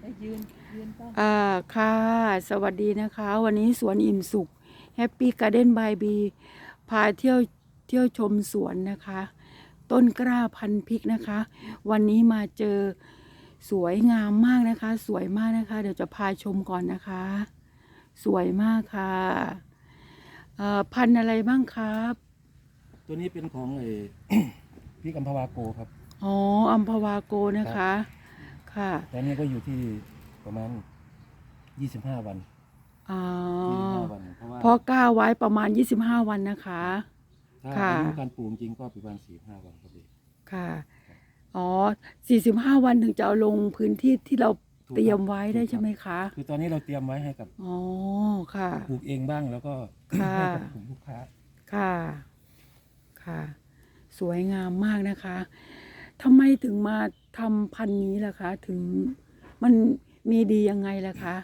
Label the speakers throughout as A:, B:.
A: ยืนต้อง
B: ค่ะสวัสดีนะคะวันนี้สวนอิ่มสุขแฮปปี้การ์เด้นบายบีพาเที่ยวชมสวนนะคะ ต้นกล้าพันธุ์พริกนะคะ วันนี้มาเจอสวยงามมากนะคะ สวยมากนะคะ เดี๋ยวจะพาชมก่อนนะคะ สวยมากค่ะพันธุ์อะไรบ้างครับ
C: ตัวนี้เป็นของพริกอัมพวาโกครับ
B: อ๋ออัมพวาโกนะคะค่ะ
C: ตอนนี้ก็อยู่ที่ประมาณ25 วัน
B: อ๋อ
C: 25 วัน
B: เพราะกล้าไว้ประมาณ25 วันนะคะ
C: ถ้า
B: ค่ะ
C: อายุการปลูกจริงก็ประมาณ45 วันครับพี่
B: ค่ะอ๋อ45 วันถึงจะเอาลงพื้นที่ที่เราเตรียมไว้ได้ใช่ไหมคะ
C: คือตอนนี้เราเตรียมไว้ให้กับ
B: อ๋อค่ะ
C: ปลูกเองบ้างแล้วก็
B: ค่ะ
C: ให้กับกลุ่มลูกค้า
B: ค่ะค่ะสวยงามมากนะคะทำไมถึงมาทำพันธุ์นี้ล่ะคะถึงมันมีดียังไงล่ะคะ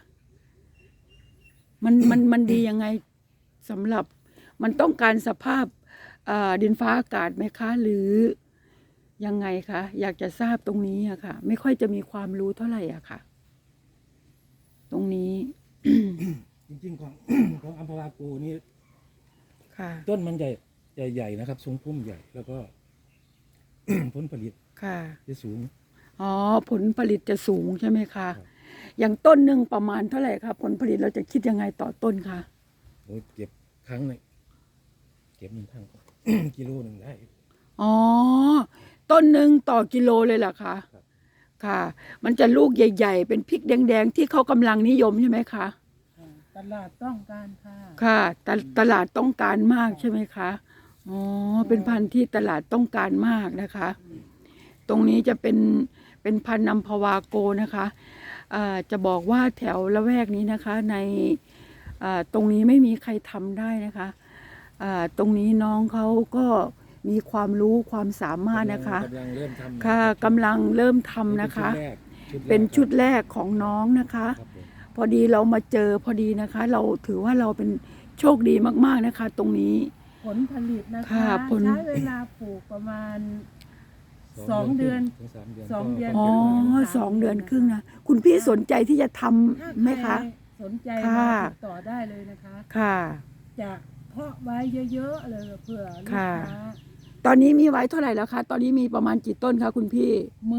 B: มันดียังไงสำหรับมันต้องการสภาพดินฟ้าอากาศไหมคะ หรือยังไงคะอยากจะทราบตรงนี้อะค่ะ ไม่ค่อยจะมีความรู้เท่าไหร่อะค่ะ ตรงนี้
C: จริงๆของ ของอัมพวาโกนี่
B: ค่ะ
C: ต้นมันใหญ่นะครับทรงพุ่มใหญ่แล้วก็ ผลผลิต
B: ค่ะ
C: จะสูง
B: อ๋อผลผลิตจะสูงใช่ไหมคะ
C: ครับ
B: อย่างต้นหนึ่งประมาณเท่าไหร่คะผลผลิตเราจะคิดยังไงต่อต้นคะ
C: โอ้ยเก็บครั้งหนึงเก็บหนึ่งครั้ง กิโลหนึ่งได้
B: อ๋อต้นหนึ่งต่อกิโลเลยเหรอคะ
C: ครับ
B: ค่ะ มันจะลูกใหญ่ๆเป็นพริกแดงๆที่เขากำลังนิยมใช่ไหมคะ
A: ตลาดต้องการค่ะ
B: ค่ะตลาดต้องการมากใช่ไหมคะอ๋อเป็นพันธุ์ที่ตลาดต้องการมากนะคะ ตรงนี้จะเป็นพันธุ์อัมพวาโกนะคะจะบอกว่าแถวละแวกนี้นะคะในตรงนี้ไม่มีใครทำได้นะคะตรงนี้น้องเขาก็มีความรู้ความสามารถนะคะ
C: กำลังเริ่มทำ
B: ค่ะกำลังเริ่มทำนะคะ เป็นชุดแรกของน้องนะคะ
C: ครับผม
B: พอดีเรามาเจอพอดีนะคะ เราถือว่าเราเป็นโชคดีมากๆนะคะ ตรงนี้
A: ผลผลิตนะคะ
B: ค่ะผล
A: ใช้เวลาปลูกประมาณ2 เดือน
C: ถึง3 เดือน
A: 2 เดือน
B: อ๋อ
A: ก็
B: 2 เดือนครึ่งนะคุณพี่สนใจที่จะทำไหมคะ
A: สนใจ
B: ค่ะ
A: มาติดต่อได้เลยนะคะ
B: ค่ะ
A: จะเพาะไว้เยอะๆเลยเพื่อลูก
B: ค่ะ
A: ค้า
B: ตอนนี้มีไว้เท่าไหร่แล้วคะตอนนี้มีประมาณกี่ต้นคะคุณพี่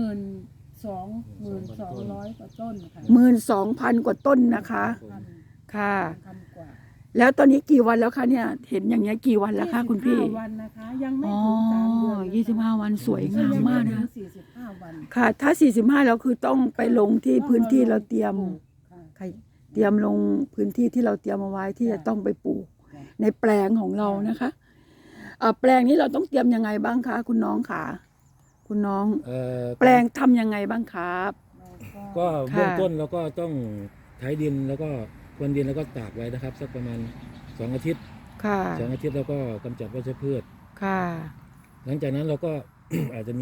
A: 12,200 กว่าต้นค่ะ
B: 12,000 กว่าต้นนะคะ
A: พัน
B: ค่ะ
A: พันกว่า
B: แล้วตอนนี้กี่วันแล้วคะเนี่ยเห็นอย่างเงี้ยกี่วันแล้วคะคุณพี่
A: 25 วันนะคะ ยังไม่
B: อ๋อ
A: ถึง3 เดือนนะคะ
B: 25 วันสวยงามมากนะ
A: 45 วัน
B: ค่ะ ถ้า 45แล้วคือต้องไปลงที่พื้นที่เราเตรียม
A: ค่ะ
B: ค่ะเตรียมลงพื้นที่ที่เราเตรียมเอาไว้ที่จะต้องไปปลูกในแปลงของเรานะคะแปลงนี้เราต้องเตรียมยังไงบ้างคะคุณน้องคะคุณน้อง แปลงทำยังไงบ้างครับ
C: ก็
B: ค่ะ
C: เบื้องต้นเราก็ต้องไถดินแล้วก็พรวนดินแล้วก็ตากไว้นะครับสักประมาณ2 อาทิตย์
B: ค่ะ
C: 2 อาทิตย์แล้วก็กำจัดวัชพืช
B: ค่ะ
C: หลังจากนั้นเราก็ อาจจะมี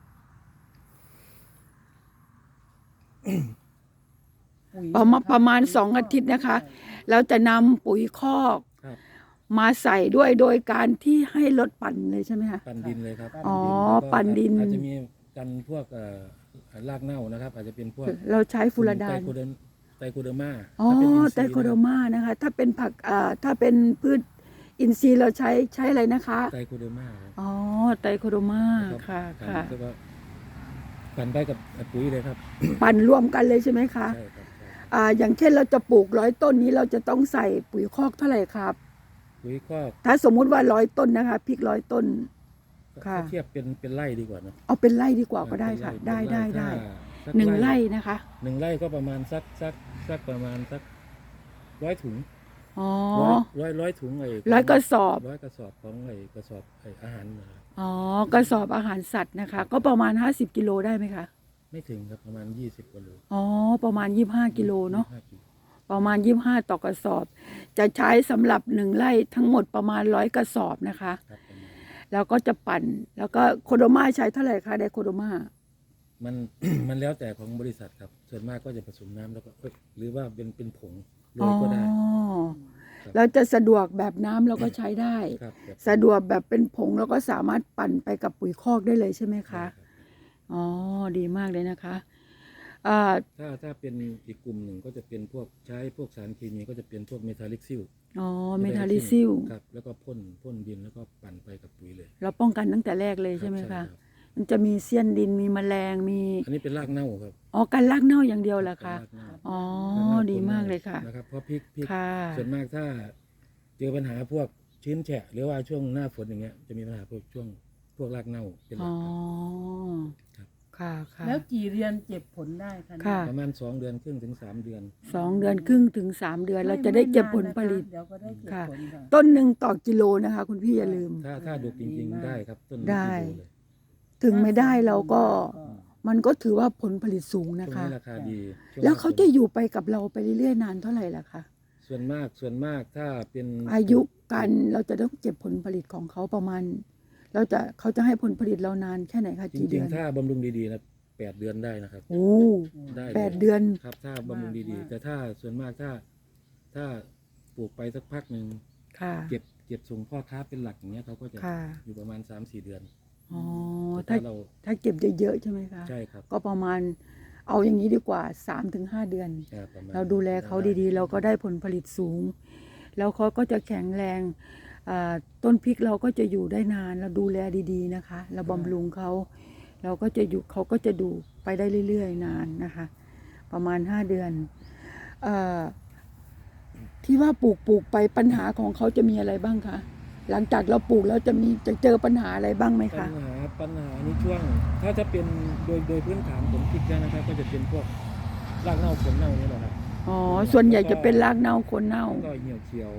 B: ประมาณ2 อาทิตย์นะคะเราจะนำปุ๋ยคอก
C: ครับ
B: มาใส่ด้วยโดยการที่ให้รถปั่นเลยใช่ไหมคะ
C: ปั่นดินเลยครับ
B: อ๋อ
C: แล้วก็
B: ปั่นดิน
C: อาจจะมีกันพวกรากเน่านะครับ อาจจะเป็นพวก
B: เราใช้ฟูรดาน
C: ไตรโคเดอร์มา
B: อ๋อ
C: ถ้าเป็นอินทรีย์
B: ไตรโคโดมานะคะ ถ้าเป็นผักถ้าเป็นพืชอินทรีย์เราใช้อะไรนะคะ
C: ไตรโคเดอร์มา
B: อ๋อไตรโคโดมาค่ะค่ะ
C: แล้วก็ปั่นไปกับปุ๋ยเลยครับ
B: ปั่นรวมกันเลยใช่ไหมคะ
C: ใช่ครับใช่
B: อย่างเช่นเราจะปลูก100 ต้นนี้เราจะต้องใส่ปุ๋ยคอกเท่าไหร่ครับ
C: ปุ๋ยคอก
B: ถ้าสมมุติว่า100 ต้นนะคะพริก100 ต้น ค่ะ
C: ถ้าเทียบเป็นไร่ดีกว่าเนอะ
B: เอาเป็นไร่ดีกว่าก็ได้ค่ะ
C: เป็น
B: ได้
C: ถ้าสัก
B: 1 ไร่นะคะ
C: 1 ไร่ก็ประมาณสักประมาณสัก100 ถุง
B: อ๋อ
C: ร้อยถุง
B: 100 กระสอบ
C: 100 กระสอบของกระสอบอาหารนะครับ
B: อ๋อกระสอบอาหารสัตว์นะคะ ก็ประมาณ50 กิโลได้ไหมคะ
C: ไม่ถึงครับประมาณ20 กว่าโล
B: อ๋อประมาณ25 กิโลเนาะ
C: 25 กิโล
B: ประมาณ25ต่อกระสอบ จะใช้สำหรับ1 ไร่ทั้งหมดประมาณ100 กระสอบนะคะ
C: ครับประมาณ
B: แล้วก็จะปั่นแล้วก็โคโดมาใช้เท่าไหร่คะไดโคโดมา
C: มัน มันแล้วแต่ของบริษัทครับ ส่วนมากก็จะผสมน้ำแล้วก็หรือว่าเป็นผงโรยก็ได้ ครับ
B: แล้วจะสะดวกแบบน้ำเราก็ใช้ได้
C: ครับแบบ
B: สะดวกแบบเป็นผงเราก็สามารถปั่นไปกับปุ๋ยคอกได้เลยใช่ไหมคะ
C: ได้รับ
B: อ๋อดีมากเลยนะคะอ่า
C: ถ้าเป็นอีกกลุ่มหนึ่งก็จะเป็นพวกใช้พวกสารเคมีก็จะเป็นพวกเมทาลิกซิล
B: อ๋อเมทาลิซิล
C: ครับแล้วก็พ่นดินแล้วก็ปั่นไปกับปุ๋ยเลย
B: เราป้องกันตั้งแต่แรกเลยใช่ไหม
C: รั
B: คะ
C: บ
B: มันจะมีเสี้ยนดินมีแมลงมี
C: อันนี้เป็นรากเน่าครับ
B: อ๋อการรากเน่าอย่างเดียวเหรอคะ
C: รากเน่า
B: อ๋อ
C: รากเน่า
B: ดี
C: พ่น
B: มากเลยค่ะ
C: นะครับเพราะพริก
B: ค่ะ
C: ส่วนมากถ้าเจอปัญหาพวกชื้นแฉะหรือว่าช่วงหน้าฝนอย่างเงี้ยจะมีปัญหาพวกรากเน่าเป็นหลั
B: อ๋
C: ก
B: อ
C: ครับ
B: ค่ะค่ะ
A: แล้วกี่เดือนเก็บผลได้คะ
B: ค่ะ
C: ประมาณ2 เดือนครึ่งถึง3 เดือน
B: 2 เดือนครึ่งถึง 3 เดือนเราจะได้เก็บผลผลิต
A: เดี๋ยวก็ได้เก็บ
B: ค่ะ
A: ผลค่ะ
B: ต้นหนึ่งต่อกิโลนะคะ คุณพี่อย่าลืม
C: ถ้าดูจริงๆได้ครับต้น
B: ได้
C: กิโลเลย
B: ถึงไม่ได้เราก็
A: ก็
B: มันก็ถือว่าผลผลิตสูง
C: ช่
B: นะ
C: วง
B: คะ
C: นี้ราคาดีช่ง
B: แล้วเขา
C: หน้ฝน
B: จะอยู่ไปกับเราไปเรื่อยๆนานเท่าไหร่ล่ะคะ
C: ส่วนมากถ้าเป็น
B: อายุการเราจะต้องเก็บผลผลิตของเขาประมาณเขาจะให้ผลผลิตเรานานแค่ไหนคะ
C: จ
B: กี่
C: ริ
B: เดื
C: ง
B: อน
C: ๆถ้าบำรุงดีๆนะ8 เดือนได้นะครับ
B: โอ้
C: ได้ลย
B: 8 เดือน
C: ครับถ้าบำรุงดีๆ แต่ถ้าส่วนมากถ้าปลูกไปสักพักหนึ่ง
B: ค่ะ
C: เก็บส่งพ่อค้าเป็นหลักอย่างเงี้ยเขาก็จะ
B: ค่ะ
C: อยู่ประมาณ 3-4 เดือน
B: อ๋อ
C: แต่
B: ถ้า
C: ถ้าเรา
B: ถ้าเก็บเยอะๆใช่ไหมคะ
C: ใช่ครับ
B: ก็ประมาณเอาอย่างนี้ดีกว่า 3-5 เดือน
C: ประมณ
B: เราดูแลเขาดีๆ เราก็ได้ผลผลิตสูง แล้วเขาก็จะแข็งแรงต้นพริกเราก็จะอยู่ได้นาน เราดูแลดีๆนะคะ เราบำรุงเขาเราก็จะอยู่เขาก็จะดูไปได้เรื่อยๆนานนะคะ ประมาณ 5 เดือนเออที่ว่าปลูกไปปัญหาของเขาจะมีอะไรบ้างคะหลังจากเราปลูกแล้วจะเจอปัญหาอะไรบ้างไหม
C: ปั
B: คะ
C: ญหานี้ช่วง ถ้าจะเป็นโดยพื้นฐานผลพริกแล้วนะครับ ก็จะเป็นพวกรากเน่าผลเน่านี่แหละครับ
B: อ๋อส่วนใหญ่จะเป็นรากเน่าโคนเน่า
C: แล้วก็เหี่ยวเขียว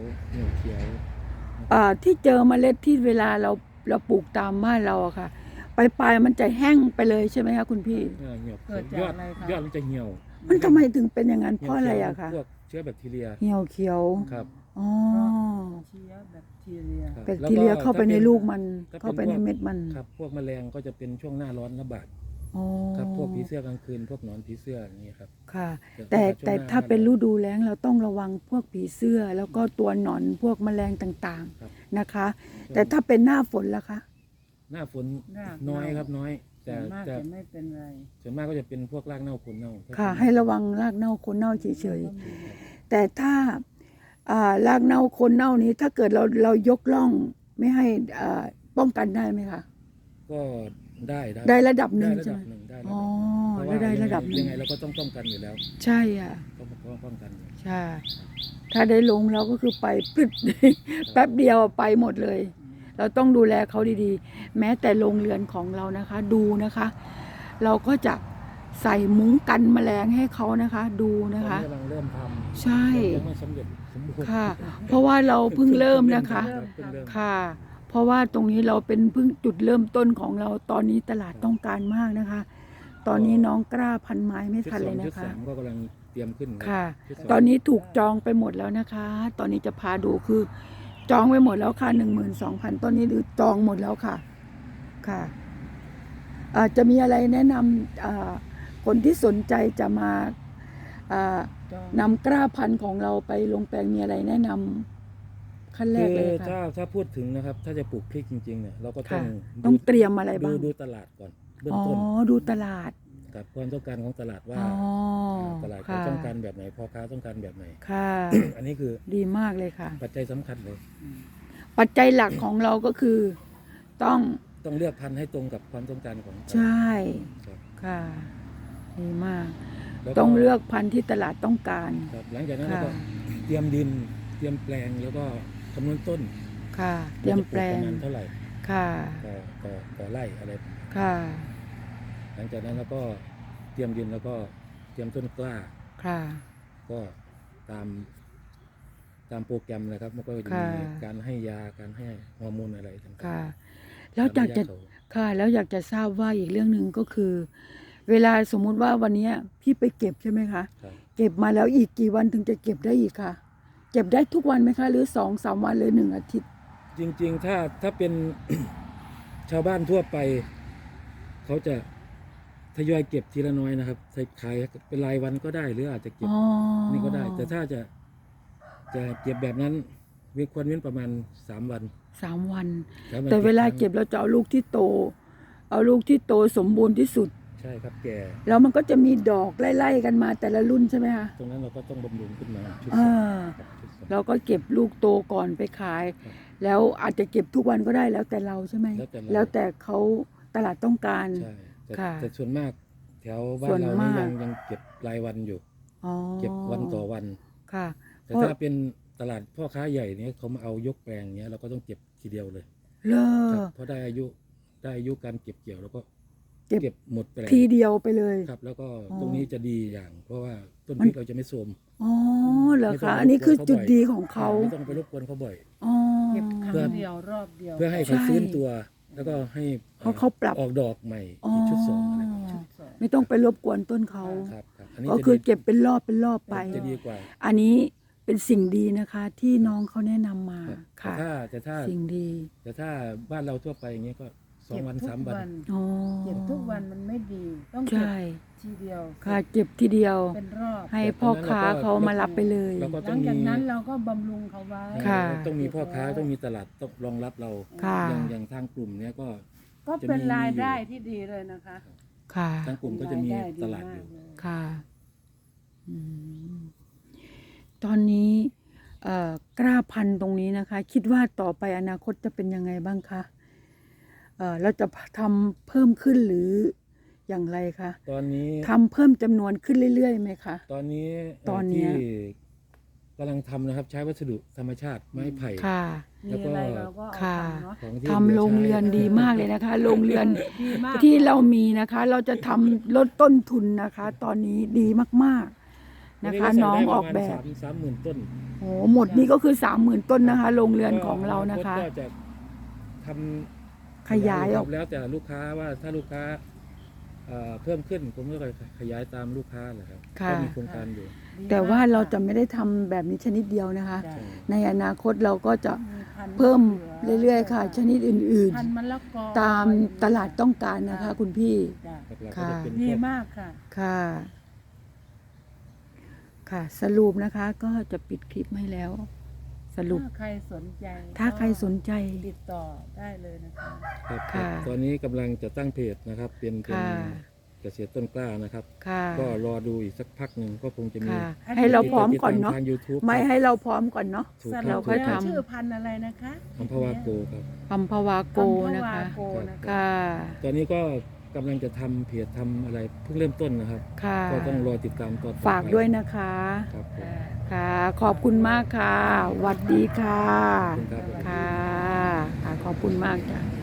B: ที่เจอเมล็ดที่เวลาเราปลูกตามบ้านเราอะค่ะปลายมันจะแห้งไปเลยใช่ไหมคะคุณพี่
C: เหี่ยว
A: เกิด
C: ย
A: จาก
C: อด
A: อะไรคะ
C: ยอดมันจะเหี่ยว
B: มันทำไมถึงเป็นอย่างนั้นเพราะอะไรอะคะ
C: พวกเชื้อแบคทีเรีย
B: เหี่ยวเขียว
C: ครับ
B: อ๋อ
A: เชื้อแบคทีเรีย
C: ครับ
B: แบคทีเรียเข้าไปในลูกมัน
C: ถ้าเป็น
B: เข้าไปในเม็ดมัน
C: ครับพวกแมลงก็จะเป็นช่วงหน้าร้อนระบาด
B: อ๋อ
C: ครับพวกผีเสื้อกลางคืนพวกหนอนผีเสื้ออย่างนี้ครับ
B: ค่ะ
C: จะ
B: แต่
C: ช่วงหน้า
B: ถ้าเป็นฤดูแล้งเราต้องระวังพวกผีเสื้อ แล้วก็ตัวหนอนพวกแมลงต่าง
C: ครับ
B: ๆนะคะ แต่ถ้าเป็นหน้าฝนล่ะคะ
C: หน้าฝน
A: ราก
C: น้อย
A: เน่า
C: ครับน้อย
A: ส่
C: แต่
A: วนมาก
C: แต่
A: จะไม่เป็นไร
C: ส่วนมากก็จะเป็นพวกรากเน่าผลเน่า
B: ค่ะ ให้ระวังรากเน่าโคนเน่าเฉยๆ แต่ถ้ารากเน่าโคนเน่านี้ถ้าเกิดเรายกล่องไม่ให้ป้องกันได้ไหมคะ
C: ก็ได้
B: ได้ระดับหนึ่ง
C: ได้ระ
B: ใช่
C: ดั
B: ไหม
C: บหนึ่งได้
B: อ๋อ
C: เพราะ
B: ได้
C: ว่า
B: ได้ระดับหนึ่
C: ยัง งไงเราก็ต้องป้องกันอยู่แล้ว
B: ใช่อ่ะ
C: ต้องป้องกันอยู่
B: ใช่ ถ้าได้ลงเราก็คือไปพรึด แป๊บเดียวไปหมดเลย เราต้องดูแลเขาดีๆ แม้แต่โรงเรือนของเรานะคะ ดูนะคะ เราก็จะใส่มุ้งกันแมลงให้เขานะคะ ดูนะคะ
C: ตอนนี้กำลังเริ่มทำ
B: ใช่
C: ยังไม่สำเร็จสมบูรณ์
B: ค่ะ เพราะว่าเราเพิ่งเริ่มนะคะ
C: เพิ่งเริ่ม
B: ค่ะ เพราะว่าตรงนี้เราเป็นเพิ่งจุดเริ่มต้นของเรา ตอนนี้ตลาดต้องการมากนะคะ ตอนนี้น้องกล้าพันไม้ไม่
C: ชุด
B: ทัน
C: ส
B: เล
C: อง
B: ย
C: ชุด
B: นะคะ
C: สามก็กำลังเตรียมขึ้น
B: ค่ะ
C: ชุดสง
B: ตอนนี้ถูกจองไปหมดแล้วนะคะ ตอนนี้จะพาดูคือ จองไปหมดแล้วค่ะ 12,000ต้นนี้หรือจองหมดแล้วค่ะ ค่ะจะมีอะไรแนะนำคนที่สนใจจะมา
A: จอง
B: นำกล้าพันธุ์ของเราไปลงแปลงมีอะไรแนะนำขั้นแรกเลย
C: คือ
B: ค่ะ
C: ถ้าพูดถึงนะครับ ถ้าจะปลูกพริกจริงๆเนี่ยเราก็ต้อ
B: ค่ะ
C: ง
B: ต้องเตรียมอะไรบ้าง
C: ดูตลาดก่อนเบื้อง
B: อ๋อ
C: ต้น
B: ดูตลาด
C: กับความต้องการของตลาดว่า
B: อ๋อ
C: ตลาดเขา
B: ค่ะ
C: ต้องการแบบไหนพ่อค้าต้องการแบบไหน
B: ค่ะ
C: อันนี้คือ
B: ดีมากเลยค่ะ
C: ปัจจัยสำคัญเลย
B: ปัจจัยหลักของเราก็คือ ต้อง
C: ต้องเลือกพันธุ์ให้ตรงกับความต้องการของตลาด
B: ใช่
C: ครับ
B: ค่ะ ดีมาก
C: แล้ว
B: ต้องเลือกพันธุ์ที่ตลาดต้องการ
C: ครับหลังจากนั้นเรา
B: ค่ะ
C: ก็เตรียมดินเตรียมแปลงแล้วก็คำนวณต้น
B: ค่ะ เตรียมแปลง
C: ว่าจะปกประมาณเท่าไหร่
B: ค่ะ
C: ต่อไร่อะไร
B: ค่ะ
C: หลังจากนั้นเราก็เตรียมดินแล้วก็เตรียมต้นกล้า
B: ค่ะ
C: ก็ตามโปรแกรมนะครับมันก็จะ
B: ค่ะ
C: มีการให้ยาการให้ฮอร์โมนอะไรต่างๆ
B: ค่ะ แล้วอยากจะ
C: ตามระยเขา
B: ค่ะ แล้วอยากจะทราบว่าอีกเรื่องหนึ่งก็คือ เวลาสมมุติว่าวันเนี้ยพี่ไปเก็บใช่ไหมคะ
C: ครับ
B: เก็บมาแล้วอีกกี่วันถึงจะเก็บได้อีกคะเก็บได้ทุกวันไหมคะ หรือ 2-3 วันหรือ1 อาทิตย์
C: จริงๆถ้าเป็น ชาวบ้านทั่วไป เขาจะทยอยเก็บทีละน้อยนะครับใส่ขายเป็นรายวันก็ได้หรืออาจจะเก็บ
B: อ๋อ
C: นี่ก็ได้ แต่ถ้าจะเก็บแบบนั้นควรเว้นประมาณ3 วัน
B: 3 วัน
C: 3 วัน
B: แต่เวลา
C: ครั้ง
B: เก็บเราจะเอาลูกที่โต เอาลูกที่โตสมบูรณ์ที่สุด
C: ใช่ครับแก่
B: แล้วมันก็จะมีดอกไล่ๆกันมาแต่ละรุ่นใช่ไหมคะ
C: ตรงนั้นเราก็ต้องบำรุงขึ้นมาชุด
B: อ่า
C: ครับชุดสอง
B: เราก็เก็บลูกโตก่อนไปขาย
C: ครับ
B: แล้วอาจจะเก็บทุกวันก็ได้แล้วแต่เราใช่ไหม
C: แล้วแต่เรา
B: แล้วแต่เขาตลาดต้องการ
C: ใช่แต่
B: ค่ะ
C: แต่ส่วนมากแถวบ้า
B: ส่
C: น
B: วน
C: เรานี่
B: มาก
C: ยังเก็บรายวันอยู่
B: อ๋อ
C: เก็บวันต่อวัน
B: ค่ะ
C: แต่
B: เพราะ
C: ถ้าเป็นตลาดพ่อค้าใหญ่เนี่ยเขามาเอายกแปลงเนี้ยเราก็ต้องเก็บทีเดียวเลย
B: เล
C: ครั
B: อบ
C: เพราะได้อายุการเก็บเกี่ยวแล้วก็
B: เก็บ
C: เก็บหมดแปลง
B: ทีเดียวไปเลย
C: ครับ แล้วก็
B: อ๋อ
C: ตรงนี้จะดีอย่าง เพราะว่าต้น
B: มั
C: พ
B: น
C: ริกเราจะไม่โทรม
B: อ๋อเหรอ
C: ไม่ต้อ
B: คะ
C: ง
B: อันนี้คือ
C: รบกวนเขา
B: จุด
C: บ่อย
B: ดีของเขา
C: ไม่ต้องไปรบกวนเขาบ่อย
B: อ๋อ
A: เก็บครั้
C: เพื่อ
A: งเดียวรอบเดียว
C: เพื่อให้
B: ใช่
C: เขาฟื้นตัว แล้วก็ให้
B: เพราะเขาปรับ
C: ออกดอกใหม่
B: อ๋อ
C: อีกชุดสองอะไรแบบนี้
A: ชุดสอง
B: ไม่ต้องไปรบกวนต้นเขา
C: ครับครับอันนี้
B: ก็
C: จะ
B: คือ
C: ดี
B: เก็บเป็นรอบเป็นรอบไป
C: จะดีกว่า
B: อันนี้เป็นสิ่งดีนะคะ ที่น้องเขาแนะนำมา
C: ครับ
B: ค่ะ
C: แต่ถ้า
B: สิ่งดี
C: แต่ถ้าบ้านเราทั่วไปอย่างเงี้ยก็สอง
A: เก็บ
C: วัน
A: ทุก
C: 3 วัน
B: อ๋อ
A: เก็บทุกวันมันไม่ดี ต้องเก็บ
B: ใช่
A: ทีเดียว
B: ค่ะเก็บทีเดียว
A: เป็นรอบ
B: ให้พ่อค้าเขามารับไปเลย
C: เราก็
A: ห
C: ต้
A: ลั
C: อง
A: ง
C: มี
A: จากนั้นเราก็บำรุงเขาไว้
B: ค่ะ
C: ต้องมีพ่อค้าต้องมีตลาดต้องรองรับเรา
B: ค่ะ
C: อย่างทางกลุ่มเนี้ยก็
A: ก็เป็นรายได้ที่ดีเลยนะคะ
B: ค่ะ
C: ทางกลุ่มก็จะมี
A: รายไ
C: ตลาดอยู่
A: มกเล
B: ค่ะอืมตอนนี้กล้าพันธุ์ตรงนี้นะคะ คิดว่าต่อไปอนาคตจะเป็นยังไงบ้างคะเราจะทำเพิ่มขึ้นหรืออย่างไรคะ
C: ตอนนี้
B: ทำเพิ่มจำนวนขึ้นเรื่อยๆไหมคะ
C: ตอนนี้
B: ตอนเนี้
C: ที่
B: ย
C: กำลังทำนะครับใช้วัสดุธรรมชาติไม้ไผ่
B: ค่ะ
A: มีอะไรเราก็เอา
B: ค่ะ
A: ทำเนาะ
C: ของที่
B: ทำ
C: หลือ
B: โรง
C: ใช้
B: เรือนดีมากเลยนะคะ โรงเรือน
A: ดีมาก
B: ที่เรามีนะคะ เราจะทำลดต้นทุนนะคะ ตอนนี้ดีมากๆนะคะ น้องออกแบบ
C: 30,000 ต้น
B: โอ้หมดนี่ก็คือ 30,000 ต้นนะคะ โรงเรือนของเรานะคะ
C: ก็จะทำ
B: ขยายออก
C: แล้วแต่ลูกค้าว่าถ้าลูกค้าเพิ่มขึ้นผมก็ขยายตามลูกค้าแหละครับ
B: ค่ะ
C: ก็มีโครงการอยู่
A: ดีมก
B: แต่ว่าเราจะไม่ได้ทำแบบนี้ชนิดเดียวนะคะ
A: จ้ะ
B: ในอนาคตเราก็จะ
A: มีพันธุ์
B: เพิ่ม
A: หลื
B: เรื่อยๆค่ะ ชนิดอื่น
A: พันธุ์มะละกอ
B: ๆ ตามตลาดต้องการนะคะ คุณพี่
A: จ้ะ
C: หลักๆก็
B: ค่ะ
C: จะเป็น
A: ดี
C: พวก
A: มากค่ะ
B: ค่ะ ค่ะ สรุปนะคะ ก็จะปิดคลิปให้แล้ว สรุป
A: ถ้าใครสนใจ
B: ถ้าใครสนใจ
A: ติดต่อได้เลยนะคะ
C: ครับ
B: ค่ะ
C: ตอนนี้กำลังจะตั้งเพจนะครับ เป็น
B: ค่ะ
C: เกษตรต้นกล้านะครับ
B: ค่ะ
C: ก็รอดูอีกสักพักหนึ่งก็คงจะมี
B: ค่ะ ให้เราพร้อมก่อนเนาะ
C: ทาง YouTube
B: ไม่ให้เราพร้อมก่อนเนาะ
C: ถูก
A: ส
C: ค
A: รุ
C: รับ
A: ป
B: ค่อย
A: แล้ว
B: ทำ
A: ชื่อพันธุ์อะไรนะคะ
C: อัมพวาโกครับ
B: อัมพวาโกนะคะ
A: อัมพวาโกนะคะ
B: ค่ะ
C: ตอนนี้ก็กำลังจะทำเพจทำอะไรเพิ่งเริ่มต้นนะครับ
B: ค่ะ
C: ก็ต้องรอติดตามต่อไป
B: ฝากด้วยนะคะ
C: ครับผม
B: ค่ะ ขอบคุณมากค่ะหวัดดีค่ะ
C: ขอบคุณครับ
B: ค่ะ ขอบคุณมากจ้ะ